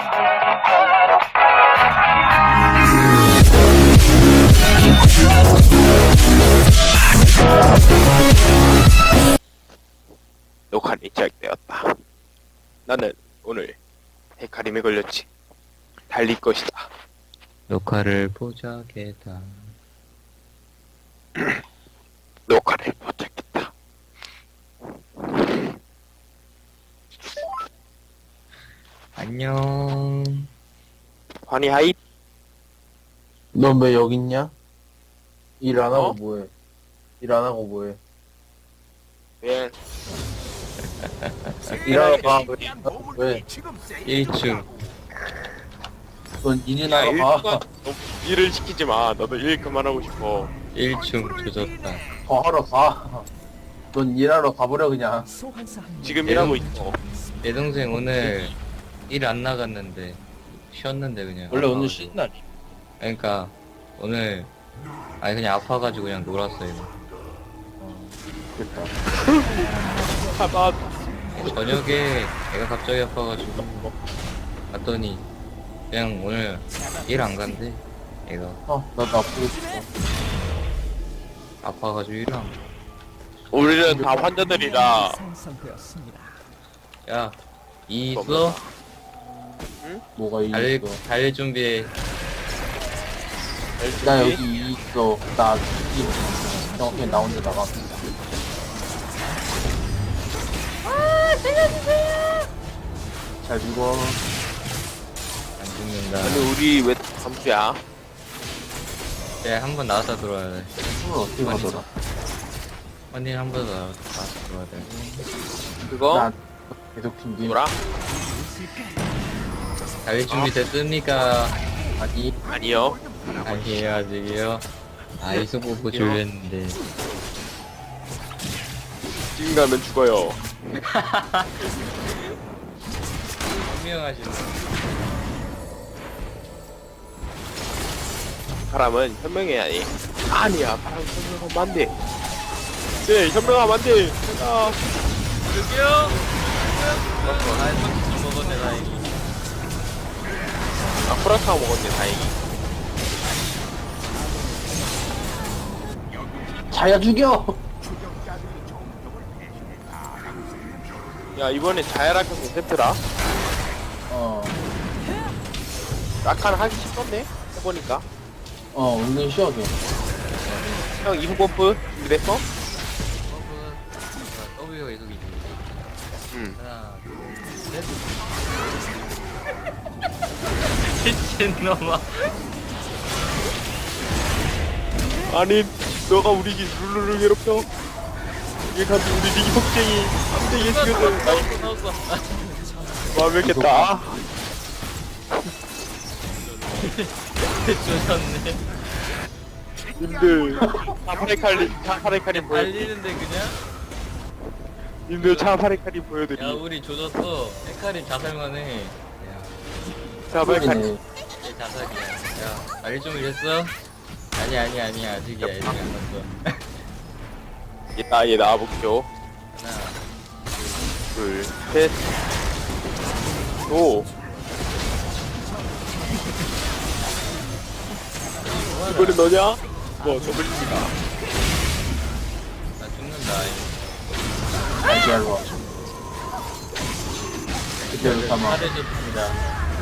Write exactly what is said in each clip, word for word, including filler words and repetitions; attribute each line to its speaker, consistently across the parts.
Speaker 1: 녹화는 시작되었다. 나는 오늘 헤카림에 걸렸지. 달릴 것이다.
Speaker 2: 녹화를 포착했다.
Speaker 1: 녹화를 포착했다.
Speaker 2: 안녕.
Speaker 1: 환희 하이.
Speaker 3: 넌 왜 여기 있냐? 일 안 하고
Speaker 1: 어?
Speaker 3: 뭐해? 일 안 하고 뭐해?
Speaker 1: 예.
Speaker 3: 일하러 가. 왜?
Speaker 2: 일 층.
Speaker 3: 넌 일이나
Speaker 1: 야,
Speaker 3: 하러
Speaker 1: 일
Speaker 3: 가.
Speaker 1: 그만, 너 일을 시키지 마. 나도 일 그만하고 싶어.
Speaker 2: 일 층 조졌다.
Speaker 3: 더 하러 가. 넌 일하러 가버려 그냥.
Speaker 1: 지금
Speaker 2: 예.
Speaker 1: 일하고 있어.
Speaker 2: 내 동생 오늘 일 안 나갔는데 쉬었는데 그냥.
Speaker 3: 원래 오늘
Speaker 2: 아파가지고.
Speaker 3: 쉬는 날이.
Speaker 2: 그러니까 오늘 아니 그냥 아파가지고 그냥 놀았어요.
Speaker 3: 됐다.
Speaker 1: 아, 나
Speaker 2: 저녁에 애가 갑자기 아파가지고 갔더니 그냥 오늘 일 안 간대. 애가
Speaker 3: 아, 나도 아프고 싶어.
Speaker 2: 아파가지고 일 안.
Speaker 1: 우리는 다 환자들이라.
Speaker 2: 야, 이 있어?
Speaker 3: 뭐가 이
Speaker 2: 달릴
Speaker 3: 있어?
Speaker 2: 달릴 준비해.
Speaker 3: 나 여기 이 있어. 나 이 정확히 나 혼자 나가. 잘 죽어.
Speaker 2: 안 죽는다.
Speaker 1: 아니 우리 왜 감수야?
Speaker 2: 네, 한 번 나왔다 들어와야 돼.
Speaker 3: 숨을 어떻게 가더라?
Speaker 2: 언니 한 번 나왔다 들어와야 돼.
Speaker 1: 그거
Speaker 3: 나 계속 튕김.
Speaker 1: 뭐라?
Speaker 2: 달릴 준비 됐습니까?
Speaker 3: 아니,
Speaker 1: 아니요.
Speaker 2: 아니에요, 아직이요. 아, 이소 보고 졸렸는데.
Speaker 1: 지금 가면 죽어요.
Speaker 2: 분명하시네.
Speaker 1: 사람은 현명해야 해. 아니야, 사람 현명하면 안 돼. 네, 현명하면 안 돼. 제가
Speaker 2: 여기요? 아, 손좀 먹었네, 다행히.
Speaker 1: 아, 프라타 먹었네, 다행히.
Speaker 3: 자야 죽여.
Speaker 1: 야, 이번에 자야라칸 세트라.
Speaker 3: 어,
Speaker 1: 라칸 하기 쉽던데? 해보니까.
Speaker 3: 어, 은근 쉬어줘.
Speaker 1: 형, 이후 버프 준비됐어?
Speaker 2: W가 계속 있지.
Speaker 1: 응.
Speaker 2: 하나, 둘, 셋. 미친놈아.
Speaker 1: 아니, 너가 우리 기 룰루를 괴롭혀? 이게 간지 우리 리기 폭쟁이. 안 돼, 얘 죽여줘. 나이
Speaker 2: 나왔어.
Speaker 1: 완벽했다.
Speaker 2: 조졌네.
Speaker 1: 님들, 차파레칼리, 차파레칼리 보여.
Speaker 2: 달리는데 그냥?
Speaker 1: 님들, 차파레칼리 보여드리.
Speaker 2: 야, 우리 조졌어. 헤카림 자살만 해. 야,
Speaker 1: 차파레칼리.
Speaker 3: 네.
Speaker 2: 얘 자살이야. 야, 달릴 준비 됐어? 아니, 아니, 아니, 아직이야. 아직 안 났어.
Speaker 1: 얘 나, 얘 나와볼게요.
Speaker 2: 하나,
Speaker 1: 둘, 셋, 오. 이번엔 너냐? 뭐, 더블리가.
Speaker 2: 나 죽는다. 이거.
Speaker 3: 다시 알로 와. 그대로 삼아.
Speaker 2: 잘해줬습니다.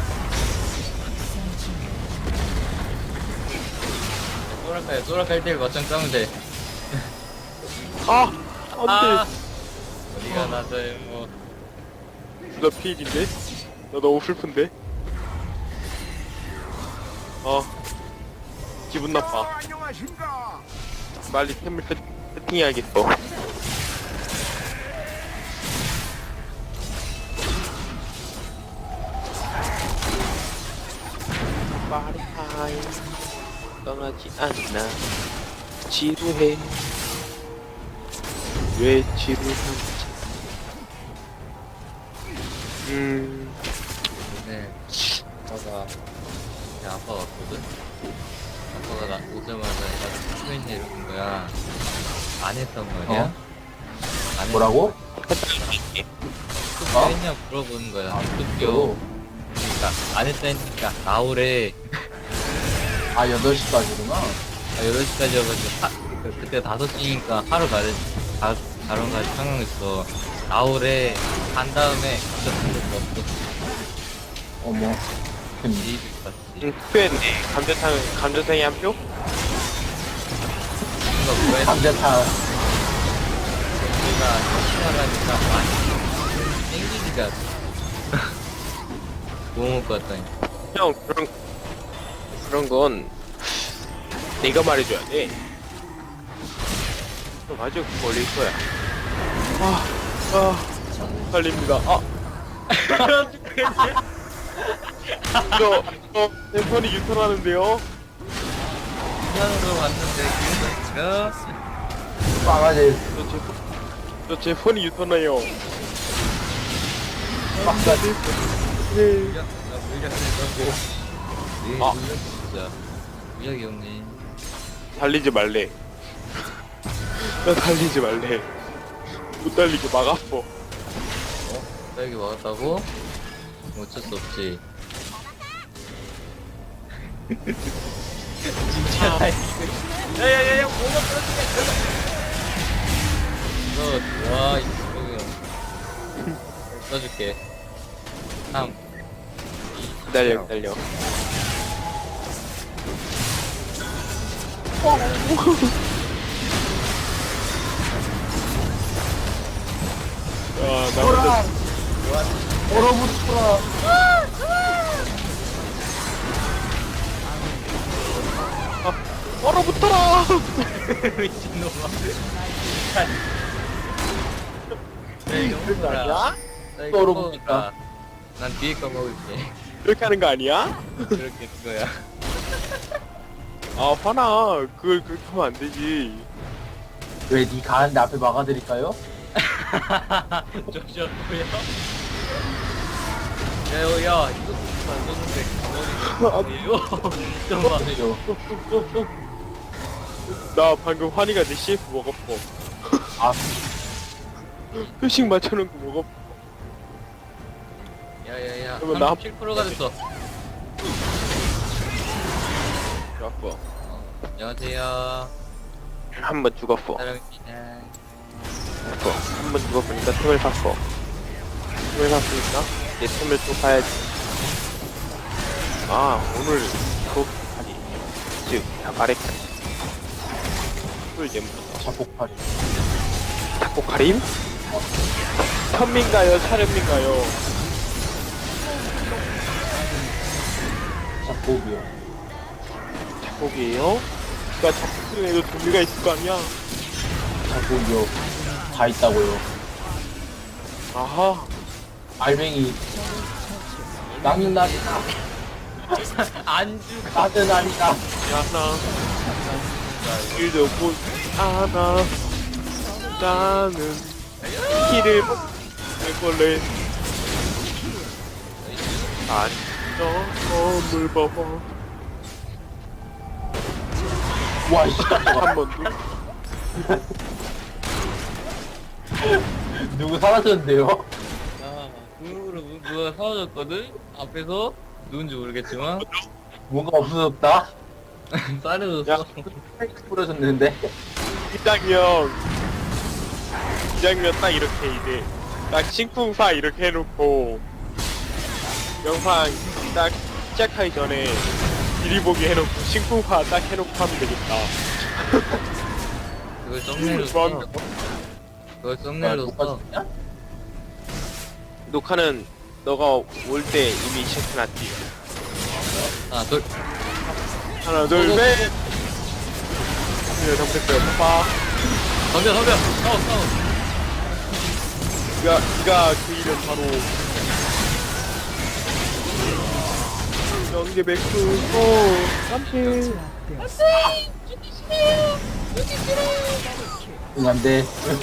Speaker 2: 소라카야, 소라카 일 대일 맞짱 싸면 돼.
Speaker 1: 아! 안
Speaker 2: 아!
Speaker 1: 돼!
Speaker 2: 어디가 나서요, 뭐.
Speaker 1: 나 피일인데? 나 너무 슬픈데? 어. 기분 나빠. 빨리 템을 세, 세팅해야겠어. 파리타임 떠나지 않나 지루해 왜 지루한지 음
Speaker 2: 네. 아빠가, 야, 아빠 왔거든? 아빠가 나 오자마자 나한테 스크린에 이러는 거야. 안 했단 말이야?
Speaker 3: 어?
Speaker 2: 안
Speaker 3: 뭐라고?
Speaker 2: 했, 했냐 물어보는 거야.
Speaker 3: 아,
Speaker 2: 학교.
Speaker 3: 또.
Speaker 2: 그러니까 안 했다니까 나오래.
Speaker 3: 아, 여덟 시까지구나.
Speaker 2: 아, 여덟 시까지여가지고 하, 그, 그때 다섯 시니까 하루 가른 다 다른까지 상황했어. 나오래 간 다음에 갑자기 생각도 없어.
Speaker 3: 어머. 근
Speaker 2: 이입 봤지.
Speaker 1: 응, 투표했네. 감자탕, 감자탕이 한 표?
Speaker 2: 뭔가 뭐야
Speaker 3: 감자탕.
Speaker 2: 우리가 시원하니까 많이 땡기기가 너무 먹고 왔다니.
Speaker 1: 형, 그런, 그런 건 내가 말해줘야 돼. 형, 아주 걸릴 거야. 아, 아, 걸립니다. 아. 저, 저, 내 손이 유턴하는데요?
Speaker 2: 시간으로 왔는데 그래서
Speaker 3: 망아지.
Speaker 1: 저 제, 폰- 저제 폰이 유턴해요.
Speaker 3: 막사지.
Speaker 1: 네.
Speaker 2: 물약 나 물약 했다고. 네
Speaker 1: 아.
Speaker 2: 물약 진짜 물약이 없네.
Speaker 1: 달리지 말래. 나 달리지 말래. 못 달리게 막았어.
Speaker 2: 딸기 먹었다고? 어쩔 수 없지. 진짜 야야야야 뭐가 떨어지게 와 이거 써줄게. 삼
Speaker 1: 기다려, 기다려. 아, 나 혼자
Speaker 3: 얼어붙어라.
Speaker 1: 얼어붙어라!
Speaker 2: 미친놈아. 야 이거 먹어라.
Speaker 1: 아니야?
Speaker 2: 나 이거
Speaker 3: 떨어붙을까?
Speaker 2: 먹어라. 난 뒤에 거 먹을게.
Speaker 1: 이렇게 하는 거 아니야?
Speaker 2: 그렇게 그거야.
Speaker 1: 아, 화나. 그걸 그렇게 하면 안 되지.
Speaker 3: 왜 니 가는데 앞에 막아드릴까요?
Speaker 2: 저저 뭐야? 야, 야, 이거 만졌는데 가만히 좀 봐.
Speaker 3: 그죠?
Speaker 1: 나 방금 환희가 내 씨에프 먹었어.
Speaker 3: 아,
Speaker 1: 표식 맞춰놓은 거 먹었어.
Speaker 2: 야야야,
Speaker 1: 그러면 나
Speaker 2: 삼십칠 퍼센트가 됐어.
Speaker 1: 좋았어.
Speaker 2: 어, 안녕하세요.
Speaker 1: 한 번 죽었어.
Speaker 2: 사랑입니다.
Speaker 1: 죽었어. 한 번 죽었으니까 틈을 샀어. 틈을 샀으니까 내 틈을 또 사야지. 아, 오늘 그 아니 즉 아래까지 술 예무다.
Speaker 3: 자폭팔이.
Speaker 1: 닭볶아림? 현민가요? 차련민가요?
Speaker 3: 자폭이요.
Speaker 1: 닭고기예요? 그니까 닭볶음에도 종류가 있을 거 아니야?
Speaker 3: 자폭이요. 다 있다고요.
Speaker 1: 아하.
Speaker 3: 알맹이. 나는 아니다.
Speaker 2: 안 죽어.
Speaker 3: 나는 아니다.
Speaker 1: 야나 일도 못 하나 나는 키를 먹을래. 안녕 봐봐.
Speaker 3: 와, 씨.
Speaker 1: 한 번도.
Speaker 3: 누구 사라졌는데요?
Speaker 2: 야, 눈으로 누가 사라졌거든? 앞에서 누군지 모르겠지만
Speaker 3: 뭔가 없어졌다?
Speaker 2: 사라졌어.
Speaker 3: 부러졌는데?
Speaker 1: 이 장면 이 장면 딱 이렇게 이제 딱 신쿵사 이렇게 해놓고 영상 딱 시작하기 전에 미리 보기 해놓고 신쿵사 딱 해놓고 하면 되겠다.
Speaker 2: 그걸 썸네일로
Speaker 1: 좋아한다.
Speaker 2: 써. 그걸 썸네일로 써.
Speaker 3: 야?
Speaker 1: 녹화는 너가 올 때 이미 시작해놨지.
Speaker 2: 하나, 둘.
Speaker 1: 하나 둘 셋. 네, 잘못했어요. 파파.
Speaker 2: 덤벼, 덤벼. 싸워, 싸워.
Speaker 1: 이가 이가 그 이름 바로 연계 백수 오 삼십.
Speaker 3: 응, 안 돼.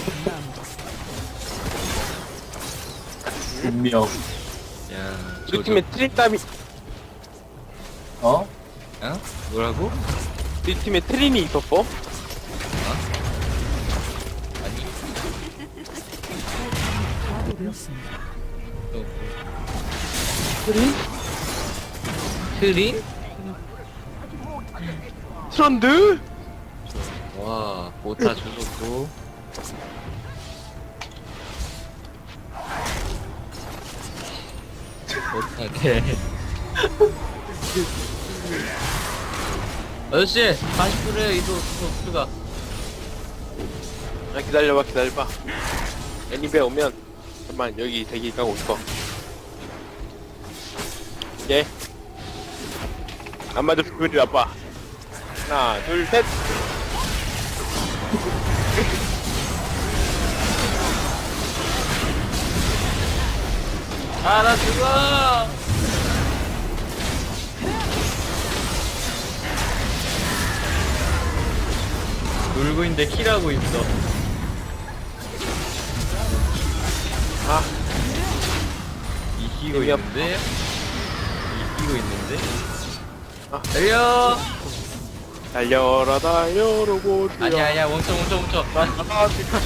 Speaker 3: 분명.
Speaker 2: 야,
Speaker 1: 우리 팀에 트린땀이
Speaker 3: 어?
Speaker 2: 어? 뭐라고?
Speaker 1: 우리 팀에 트린이 있었어?
Speaker 2: 아니. 또,
Speaker 1: 트린?
Speaker 2: 트림?
Speaker 1: 트런드?
Speaker 2: 와, 오타 주셨고. 오타게. 아저씨, 사십 분에 이도 수가 수가.
Speaker 1: 아, 기다려봐, 기다려봐. 애니베 오면, 잠깐만, 여기 대기 까고 있어. 예. 안 맞아, 그리 나빠. 하나, 둘, 셋.
Speaker 2: 아, 나 죽어! 놀고 있는데 킬하고 있어.
Speaker 1: 아,
Speaker 2: 이기고
Speaker 1: 재미없-
Speaker 2: 있는데? 이기고 있는데?
Speaker 1: 아.
Speaker 2: 달려!
Speaker 1: 달려라, 달려, 로봇.
Speaker 2: 아니야, 아니야, 멈춰, 멈춰, 멈춰.
Speaker 1: 아, 지금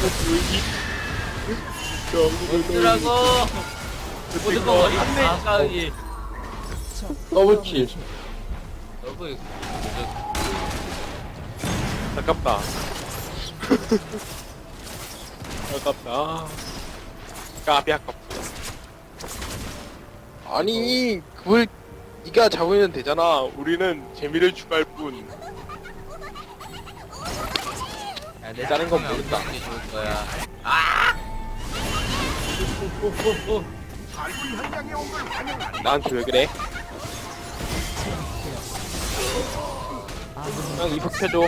Speaker 2: 멈추라고! 모든 거 안돼 아까기.
Speaker 3: 더블킬.
Speaker 2: 너무
Speaker 1: 아깝다. 아깝다. 까비 아깝다. 아니, 그걸 네가 잡으면 되잖아. 우리는 재미를 추가할 뿐.
Speaker 2: 야, 내
Speaker 1: 다른 건
Speaker 2: 건
Speaker 1: 모른다.
Speaker 2: 모른다. 게 좋을 거야. 아! 오오오오.
Speaker 1: 나한테 왜 그래? 형 이폭 펴줘.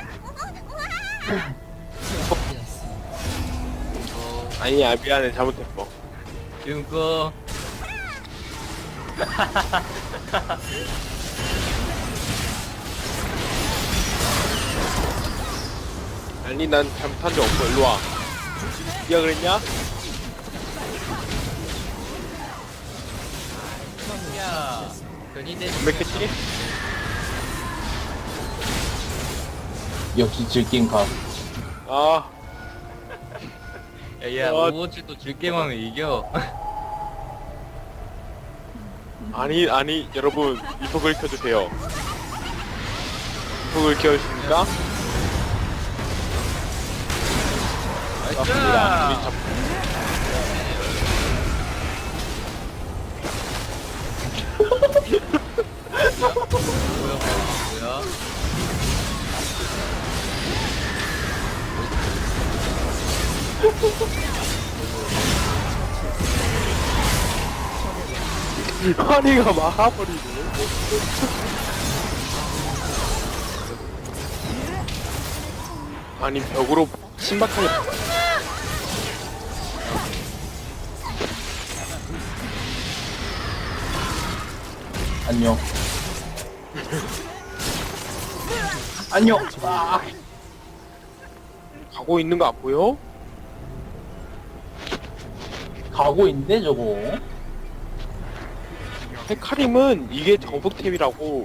Speaker 2: 어,
Speaker 1: 아니야, 미안해, 잘못했어.
Speaker 2: 지금 거.
Speaker 1: 아니, 난 잘못한 적 없어. 일로 와. 네가 그랬냐?
Speaker 2: 야, 괜히 내.
Speaker 1: 완벽했지?
Speaker 3: 역시 즐긴 각.
Speaker 1: 아,
Speaker 2: 야, 야,
Speaker 1: 어.
Speaker 2: 오버워치도 즐게임하면 이겨.
Speaker 1: 아니, 아니, 여러분, 이폭을 켜주세요. 이폭을 켜주십니까? 맞습니다. 우리 잡...
Speaker 2: 뭐야, 뭐야?
Speaker 1: 허리가 막아버리네. 아니, 벽으로 신박하게.
Speaker 3: 안녕. 안녕. 아.
Speaker 1: 가고 있는 거 안 보여?
Speaker 3: 가고 있네 저거.
Speaker 1: 헤카림은 이게 정복템이라고.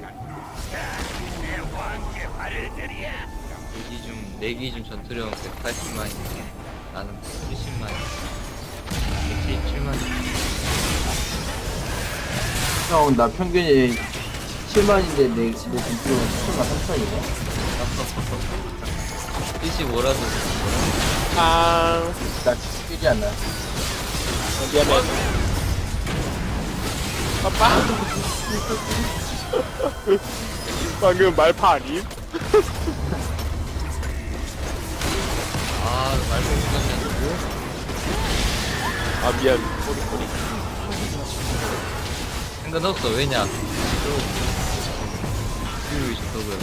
Speaker 2: 내 기준, 내 기준 전투력 백팔십만인데 나는 칠십만, 백칠십칠만.
Speaker 3: 형 나 평균이 칠만인데 내, 내 전투력은 칠만 삼천이네.
Speaker 2: 칠십오라도
Speaker 1: 아,
Speaker 3: 나 칠십일이 안 나.
Speaker 1: 미안해. 아빠. 방금 말파 아님?
Speaker 2: 아, 말고 못했네.
Speaker 1: 아, 미안. 소리, 소리.
Speaker 2: 상관없어. 왜냐? 그리고 있었고요.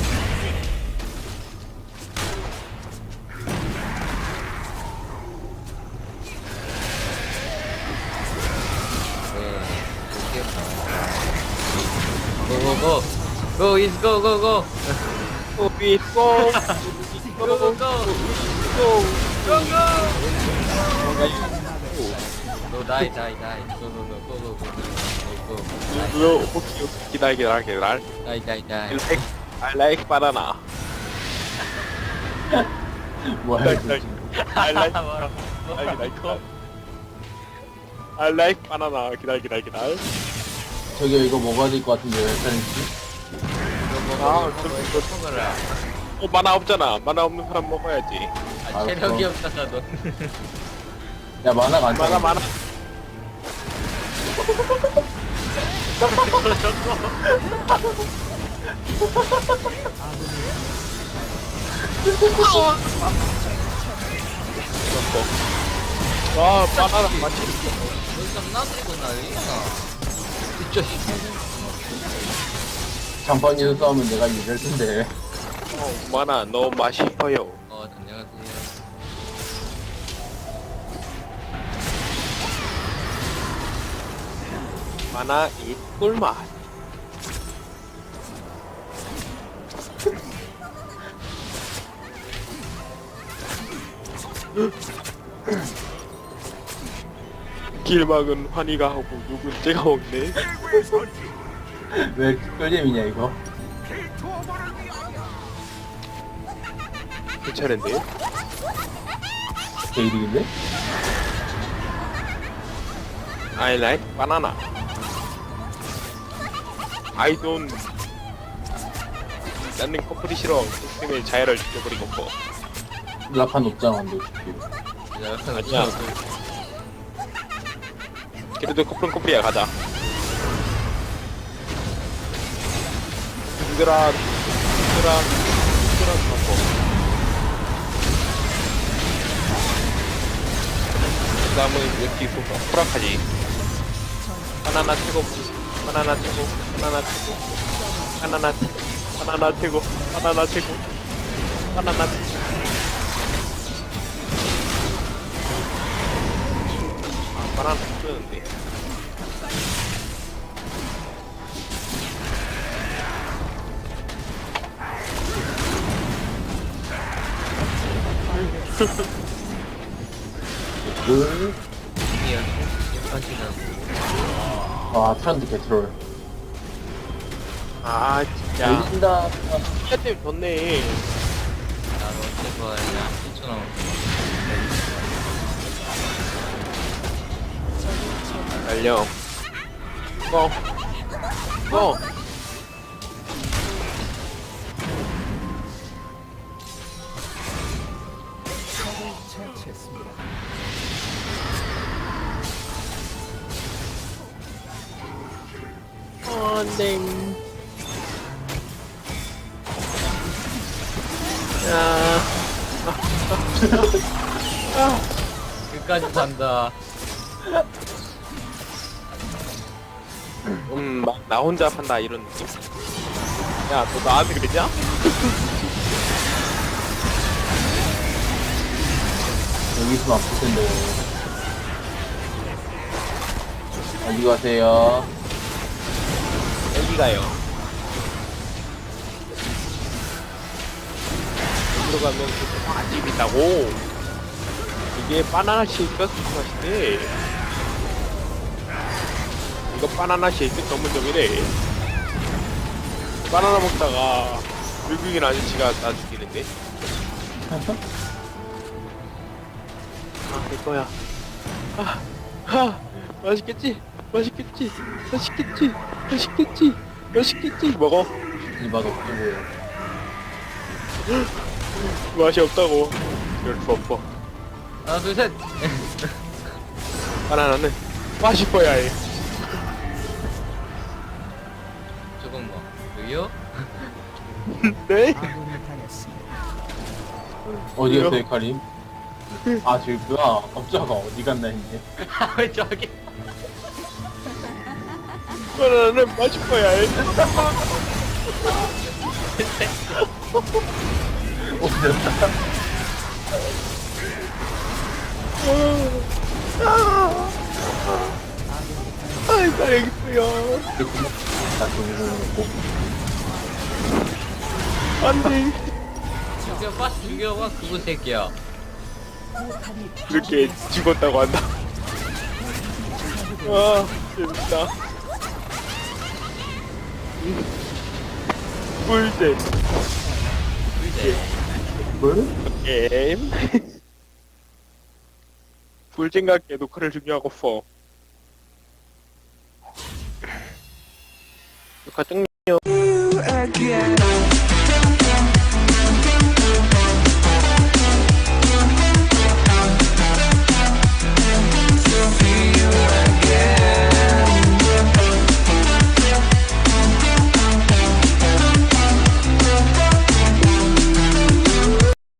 Speaker 2: 고고고 고 is go go go
Speaker 1: 오비, 고!
Speaker 2: go go go
Speaker 1: 고!
Speaker 2: go go die die die go go go go go go go
Speaker 1: 이거, 오케이, 오케이. 기다려, 기다려, 기다려.
Speaker 2: die die
Speaker 1: I
Speaker 2: die
Speaker 1: like, I like banana.
Speaker 3: 뭐야
Speaker 1: I
Speaker 3: 이거.
Speaker 1: like, I like,
Speaker 2: 뭐라
Speaker 1: I like, I like banana. 기다려, 기다려, 기다려.
Speaker 3: 저기 이거 먹어야 될 것 같은데 왜 사는지?
Speaker 1: 아,
Speaker 2: 먹어,
Speaker 1: 좀
Speaker 2: 이거 먹어라.
Speaker 1: 어, 만화 없잖아. 만화 없는 사람 먹어야지.
Speaker 2: 아,
Speaker 3: 알았어.
Speaker 2: 체력이 없어서 너.
Speaker 3: 야 만화가 안
Speaker 1: 만화
Speaker 3: 차.
Speaker 1: 만화. 와, 바나나 맛있어.
Speaker 2: 여기서 나들고 난리야. 진짜 씨.
Speaker 3: 장판이도 싸우면 내가 이길 텐데.
Speaker 1: 어, 만화 너무 맛있어요.
Speaker 2: 어, 안녕하세요.
Speaker 1: 만화 이 꿀맛. 길 막은 환희가 하고 누군 째가 먹네.
Speaker 3: 왜 꿀잼이냐 이거?
Speaker 1: 괜찮은데?
Speaker 3: 개이득인데?
Speaker 1: I like banana. I don't. 나는 커플이 싫어. 시스템의 자해를 지켜버린 거고.
Speaker 3: 라판 없잖아 근데
Speaker 2: 야,
Speaker 1: 아니야. 그래도 커플은 커플이야. 가자. 힘들어. 힘들어. 힘들어. 갖고. 그 다음은 여기 있어서 호락하지. 바나나 최고. 바나나 최고. 바나나 최고. 바나나 바나나 최고. 바나나 최고. 바나나 최고. 아, 바나나 쓰는데.
Speaker 3: 그...
Speaker 2: 이야, 심판지라고.
Speaker 3: 아 트렌드 개트롤
Speaker 1: 아, 진짜.
Speaker 3: 열린다.
Speaker 1: 진짜 때문에 졌네.
Speaker 2: 나로 제발, 야, 일 초 남았어.
Speaker 1: 달려. 고. 고. 어, 네. 야.
Speaker 2: 끝까지 간다.
Speaker 1: 음, 막, 나 혼자 판다, 이런 느낌. 야, 너 나한테 그랬냐?
Speaker 3: 여기 있으면 아플 텐데. 어디 가세요?
Speaker 1: 여기 가요. 여기로 가면 그 맛집 있다고. 이게 바나나 쉐이크가 super 맛인데. 이거 바나나 쉐이크 전문점이래. 바나나 먹다가 외국인 아저씨가 나 죽이는데. 아, 내 거야. 아, 아, 맛있겠지? 맛있겠지? 맛있겠지? 맛있겠지? 맛있겠지? 먹어.
Speaker 3: 이 맛 없고.
Speaker 1: 맛이 없다고. 이럴 수 없어.
Speaker 2: 하나, 둘, 셋.
Speaker 1: 바나나는 맛있어야 해.
Speaker 2: 조금 뭐, 여기요?
Speaker 1: 네?
Speaker 3: 어디 갔어요 카림? 아 저기구나. 깜짝아 어디 갔나 했네.
Speaker 2: 왜 저기?
Speaker 1: 바나나는 맛있어야 해.
Speaker 3: 어 됐다.
Speaker 1: 아이, 다행이고요.
Speaker 3: 나 저기 먹고.
Speaker 1: 안 돼.
Speaker 2: 죽여봐, 죽여봐, 그거 새끼야.
Speaker 1: 이렇게 죽었다고 한다. 와, 재밌다. 꿀잼
Speaker 2: 이제
Speaker 3: 뭘?
Speaker 1: 게임. 꿀잼과 개도크를 중요하고 써. 녹화 땡
Speaker 4: again.